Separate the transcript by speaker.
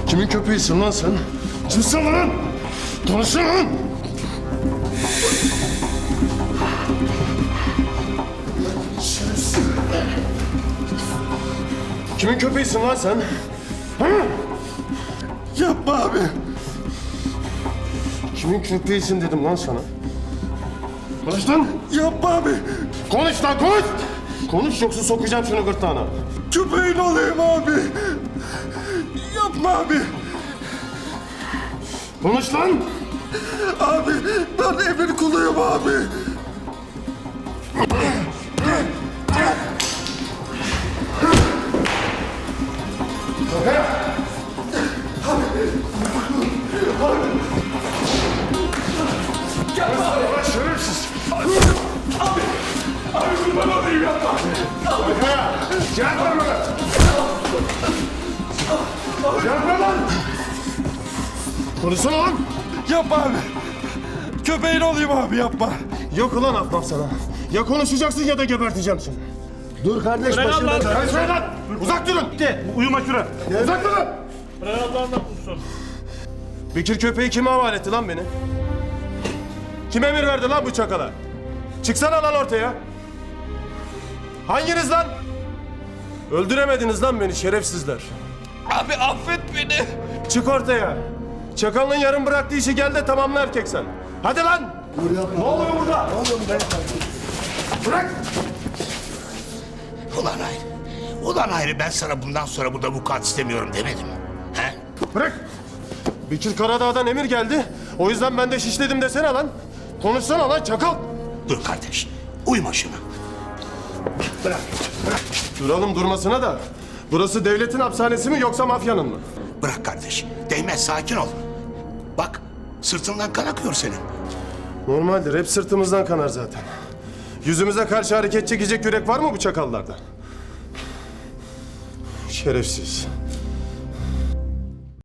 Speaker 1: Kimin köpeğisin lan sen? Kimsin lan? Konuşsana lan! Kimin köpeğisin lan sen? Ha?
Speaker 2: Yapma abi.
Speaker 1: Kimin köpeğisin dedim lan sana. Konuş lan!
Speaker 2: Yapma abi.
Speaker 1: Konuş lan konuş! Konuş yoksa sokacağım şunu gırtlağına.
Speaker 2: Köpeğin olayım abi. Yapma abi.
Speaker 1: Konuş lan!
Speaker 2: Abi ben emir kuluyum abi.
Speaker 1: Şerefsiz!
Speaker 2: Abi kurban olayım yapma.
Speaker 1: Cevap ver bana! Cevap ver lan! Konuşsana lan!
Speaker 2: Yapma abi. Köpeğin olayım abi yapma.
Speaker 1: Yok ulan affam sana. Ya konuşacaksın ya da geberteceğim seni.
Speaker 3: Dur kardeş başında.
Speaker 1: Karışmayın lan! Uzak durun!
Speaker 3: Uyuma şuraya.
Speaker 1: Uzak durun!
Speaker 3: Bırak Allah'ından bulsun.
Speaker 1: Bekir köpeği kime havale etti lan beni? Kim emir verdi lan bu çakala? Çıksana lan ortaya. Hanginiz lan? Öldüremediniz lan beni şerefsizler.
Speaker 2: Abi affet beni.
Speaker 1: Çık ortaya. Çakalın yarım bıraktığı işi gel de tamamla erkek sen. Hadi lan!
Speaker 3: Ne oluyor burada?
Speaker 1: Bırak!
Speaker 4: Ulan Hayri, ulan Hayri ben sana bundan sonra burada vukuat istemiyorum demedim mi? He?
Speaker 1: Bırak! Bekir Karadağ'dan emir geldi. O yüzden ben de şişledim desene lan. Konuşsana lan çakal.
Speaker 4: Dur kardeş, uyma şuna. Bırak,
Speaker 1: Duralım durmasına da. Burası devletin hapishanesi mi yoksa mafyanın mı?
Speaker 4: bırak kardeş. Değmez, sakin ol. Bak, sırtından kan akıyor senin.
Speaker 1: Normaldir. Hep sırtımızdan kanar zaten. Yüzümüze karşı hareket çekecek yürek var mı bu çakallarda? Şerefsiz.